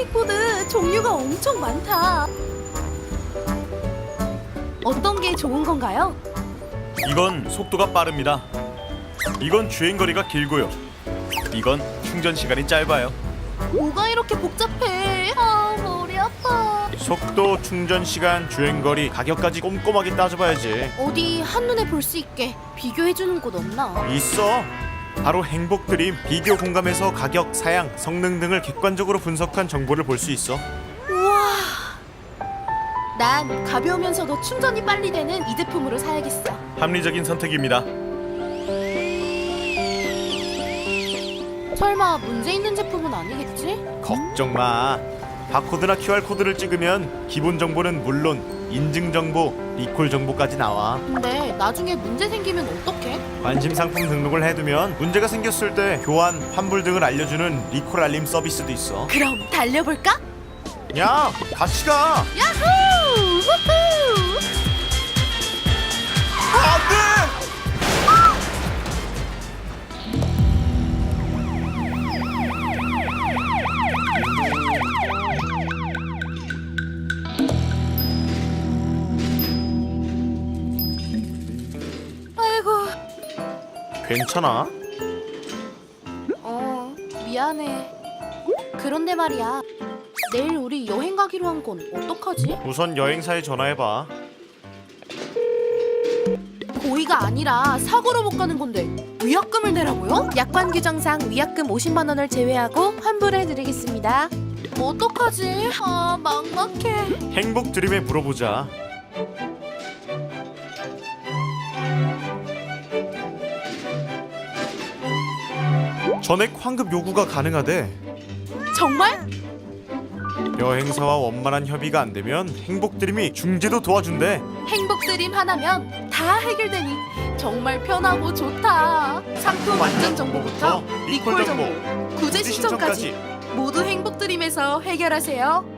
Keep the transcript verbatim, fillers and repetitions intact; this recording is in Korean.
스케이트보드 종류가 엄청 많다. 어떤 게 좋은 건가요? 이건 속도가 빠릅니다. 이건 주행거리가 길고요. 이건 충전 시간이 짧아요. 뭐가 이렇게 복잡해? 아, 머리 아파. 속도, 충전 시간, 주행거리, 가격까지 꼼꼼하게 따져봐야지. 어디 한눈에 볼 수 있게 비교해주는 곳 없나? 있어. 바로 행복드림 비교 공감에서 가격, 사양, 성능 등을 객관적으로 분석한 정보를 볼 수 있어. 우와. 난 가벼우면서도 충전이 빨리 되는 이 제품으로 사야겠어. 합리적인 선택입니다. 설마 문제 있는 제품은 아니겠지? 걱정 마. 바코드나 큐알코드를 찍으면 기본 정보는 물론 인증 정보, 리콜 정보까지 나와. 근데 나중에 문제 생기면 어떡해? 관심 상품 등록을 해두면 문제가 생겼을 때 교환, 환불 등을 알려주는 리콜 알림 서비스도 있어. 그럼 달려볼까? 야, 같이 가. 야호! 후후! 안돼. 아이고. 괜찮아? 어, 미안해. 그런데 말이야. 내일 우리 여행 가기로 한 건 어떡하지? 우선 여행사에 전화해봐. 고의가 아니라 사고로 못 가는 건데 위약금을 내라고요? 약관 규정상 위약금 오십만 원을 제외하고 환불해드리겠습니다. 어떡하지? 아, 막막해. 행복 드림에 물어보자. 전액 환급 요구가 가능하대. 정말? 여행사와 원만한 협의가 안 되면 행복 드림이 중재도 도와준대. 행복드림 하나면 다 해결되니 정말 편하고 좋다. 상품 완전 정보부터 리콜 정보, 구제 신청까지 모두 행복드림에서 해결하세요.